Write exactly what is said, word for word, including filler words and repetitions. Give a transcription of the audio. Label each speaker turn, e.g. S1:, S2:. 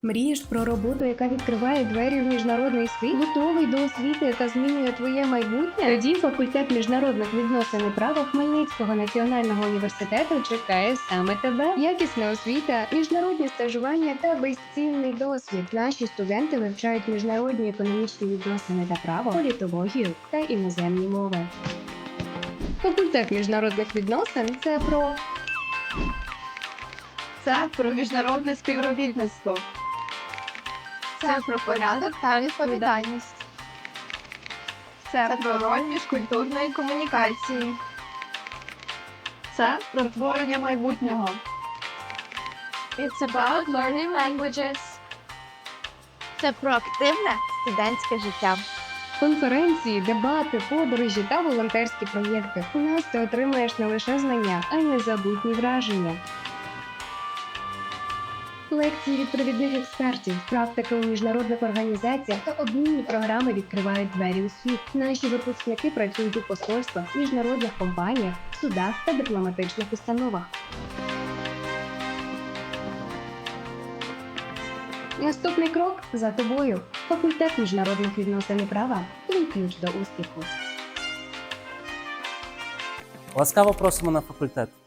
S1: Мрієш про роботу, яка відкриває двері в міжнародний світ? Готовий до освіти, яка змінює твоє майбутнє? Тоді факультет міжнародних відносин і права Хмельницького національного університету чекає саме тебе. Якісна освіта, міжнародні стажування та безцінний досвід. Наші студенти вивчають міжнародні економічні відносини та право, політологію та іноземні мови. Факультет міжнародних відносин – це про
S2: Це про міжнародне співробітництво. Це про порядок та відповідальність. Це про роль міжкультурної комунікації. Це про творення майбутнього. It's about learning languages. Це про активне студентське життя.
S1: конференції, дебати, подорожі та волонтерські проєкти. У нас ти отримаєш не лише знання, а й незабутні враження. Лекції від провідних експертів, практики у міжнародних організаціях та обмінні програми відкривають двері у світ. Наші випускники працюють у посольствах, міжнародних компаніях, судах та дипломатичних установах. Наступний крок за тобою. Факультет міжнародних відносин і права – твій ключ до успіху.
S3: Ласкаво просимо на факультет.